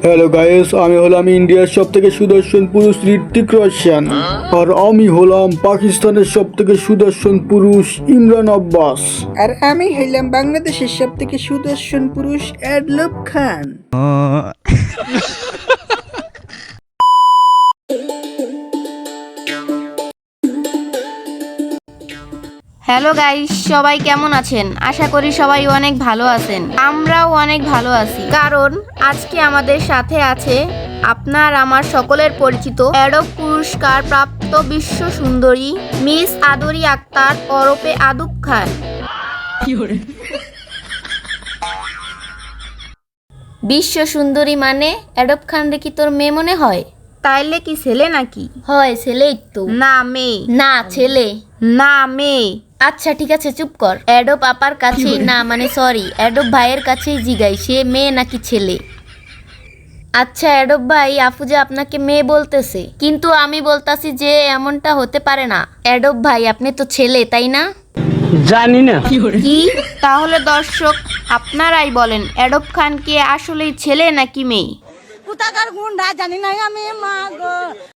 Hello guys, আমি হলাম ইন্ডিয়ার সব থেকে সুদর্শন পুরুষ ঋত্বিক রোশন। আর আমি হলাম পাকিস্তানের সব থেকে সুদর্শন পুরুষ ইমরান আব্বাস। আর আমি হইলাম বাংলাদেশের সব থেকে সুদর্শন পুরুষ এডলব খান। হ্যালো গাইস, সবাই কেমন আছেন? আশা করি সবাই অনেক ভালো আছেন। আমরাও অনেক ভালো আছি, কারণ আজকে আমাদের সাথে আছে আপনার আমার সকলের পরিচিত অ্যাডব পুরস্কার প্রাপ্ত বিশ্ব সুন্দরী মিস আদরি আক্তার ওরফে আদুব খান। বিশ্ব সুন্দরী মানে অ্যাডব খান রে কি তোর মেয়ে মনে হয়? তাইলে কি ছেলে নাকি? হয় ছেলেই তো। না মেয়ে। না ছেলে। না মেয়ে। আচ্ছা ঠিক আছে, চুপ কর। অ্যাডব আপার কাছেই না মানে সরি অ্যাডব ভাইয়ের কাছেই জিগাই সে মেয়ে নাকি ছেলে। আচ্ছা অ্যাডব ভাই, আপু যে আপনাকে মেয়ে বলতেছে, কিন্তু আমি বলতাছি যে এমনটা হতে পারে না। অ্যাডব ভাই আপনি তো ছেলে, তাই না? জানি না। কি? তাহলে দর্শক আপনারাই বলেন, অ্যাডব খান কি আসলেই ছেলে নাকি মেয়ে? কোথাকার গুন্ডা জানি না আমি, মা গো